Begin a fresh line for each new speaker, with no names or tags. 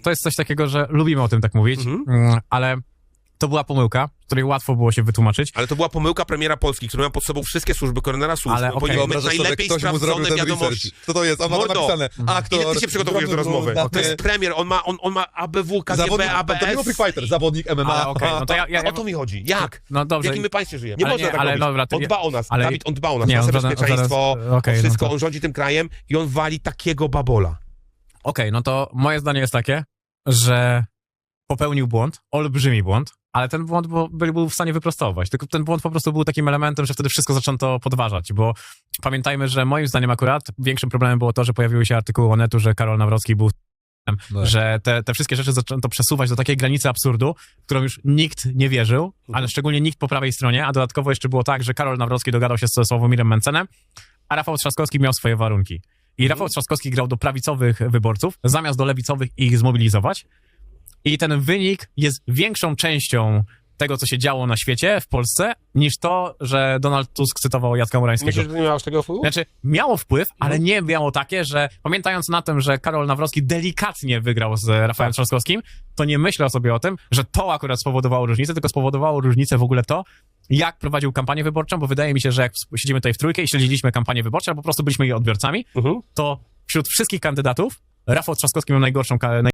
to jest coś takiego, że lubimy o tym tak mówić, ale to była pomyłka, której łatwo było się wytłumaczyć.
Ale to była pomyłka premiera Polski, który miał pod sobą wszystkie służby, koronera służb.
Ale okej.
Powinien mieć
Wyobrażasz sobie,
najlepiej
ktoś mu zrobił
sprawdzone
ten
wiadomości.
research. Co to jest? On ma tam
Mordo,
napisane. Aktor,
ile ty się przygotowujesz do rozmowy? To jest premier, on ma ABW, KGB,
zawodnik, to nie był
ABS.
Free Fighter, zawodnik MMA.
Ale okej, no to ja
O to mi chodzi. Jak?
No
W
dobrze.
jakim my państwie żyjemy?
Nie
Ale
można
nie,
tak
ale
robić.
dobra, to
On dba o nas,
ale-
Dawid, on dba o nas,
Nie,
nasze
on żaden-
bezpieczeństwo,
okej,
o
no
wszystko,
to-
on rządzi tym krajem i on wali takiego babola.
Okej, no to moje zdanie jest takie, że popełnił błąd, olbrzymi błąd, ale ten błąd był w stanie wyprostować. Tylko ten błąd po prostu był takim elementem, że wtedy wszystko zaczęto podważać, bo pamiętajmy, że moim zdaniem akurat większym problemem było to, że pojawiły się artykuły Onetu, że Karol Nawrocki był że te wszystkie rzeczy zaczęto przesuwać do takiej granicy absurdu, w którą już nikt nie wierzył, ale szczególnie nikt po prawej stronie, a dodatkowo jeszcze było tak, że Karol Nawrocki dogadał się ze Sławomirem Mencenem, a Rafał Trzaskowski miał swoje warunki. I Rafał Trzaskowski grał do prawicowych wyborców, zamiast do lewicowych ich zmobilizować. I ten wynik jest większą częścią tego, co się działo na świecie, w Polsce, niż to, że Donald Tusk cytował Jacka Murańskiego.
Myślisz, że to nie miało tego wpływu?
Znaczy, miało wpływ, ale nie miało takie, że pamiętając na tym, że Karol Nawrocki delikatnie wygrał z Rafałem Trzaskowskim, to nie myślę sobie o tym, że to akurat spowodowało różnicę, tylko spowodowało różnicę w ogóle to, jak prowadził kampanię wyborczą, bo wydaje mi się, że jak siedzimy tutaj w trójkę i śledziliśmy kampanię wyborczą, albo po prostu byliśmy jej odbiorcami, to wśród wszystkich kandydatów Rafał Trzaskowski miał najgorszą